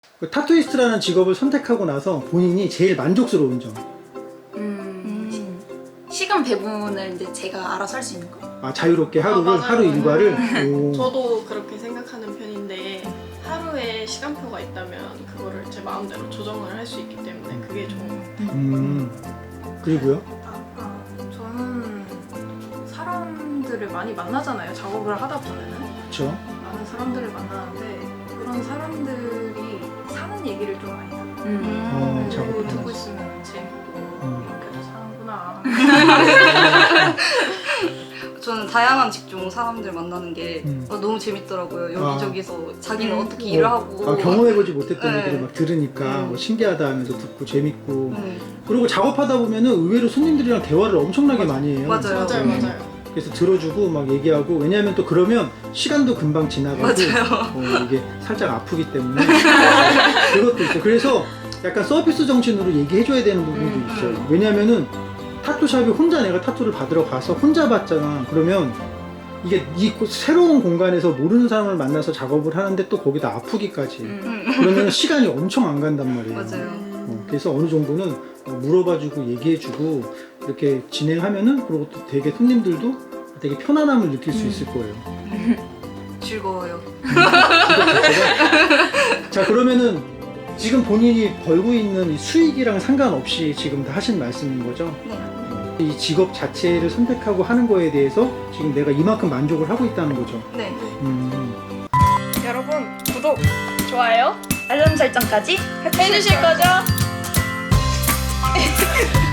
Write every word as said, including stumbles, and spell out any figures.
그 타투이스트라는 직업을 선택하고 나서 본인이 제일 만족스러운 점. 음, 시간 배분을 이제 제가 알아서 할 수 있는 거? 아, 자유롭게 하루를, 아, 맞아요. 하루 일과를. 오. 저도 그렇게 생각하는 편인데 하루에 시간표가 있다면 그거를 제 마음대로 조정을 할 수 있기 때문에 그게 좋은 것 같아요. 음. 그리고요? 아, 아, 저는 사람들을 많이 만나잖아요. 작업을 하다 보면은 그쵸. 많은 사람들을 만나는데 그런 사람들이 사는 얘기를 좀 많이 해요. 음. 어, 그리고 작업을 듣고 하면서. 있으면 재밌고 음. 이렇게도 사는구나. 저는 다양한 직종 사람들 만나는 게 음. 어, 너무 재밌더라고요. 아. 여기저기서 자기는 음. 어떻게 일을 어, 하고 아, 경험해보지 못했던 네. 얘기를 막 들으니까 음. 뭐 신기하다 하면서 듣고 재밌고. 네. 그리고 작업하다 보면은 의외로 손님들이랑 대화를 엄청나게 많이 해요. 맞아요. 맞아요, 네. 맞아요. 그래서 들어주고 막 얘기하고, 왜냐하면 또 그러면 시간도 금방 지나가고 맞아요. 어, 이게 살짝 아프기 때문에 그것도 있어요. 그래서 약간 서비스 정신으로 얘기해줘야 되는 부분도 음, 있어요. 왜냐면은 타투샵이 혼자 내가 타투를 받으러 가서 혼자 받잖아. 그러면 이게 이 새로운 공간에서 모르는 사람을 만나서 작업을 하는데 또 거기다 아프기까지. 음. 그러면 시간이 엄청 안 간단 말이에요. 맞아요. 어, 그래서 어느 정도는 물어봐주고 얘기해주고 이렇게 진행하면은, 그리고 또 되게 손님들도 되게 편안함을 느낄 수 있을 거예요. 즐거워요. 자, 그러면은 지금 본인이 벌고 있는 이 수익이랑 상관없이 지금 다 하신 말씀인 거죠? 네. 이 직업 자체를 선택하고 하는 거에 대해서 지금 내가 이만큼 만족을 하고 있다는 거죠. 네. 음. 여러분 구독, 좋아요 알람 설정까지 해주실 거죠?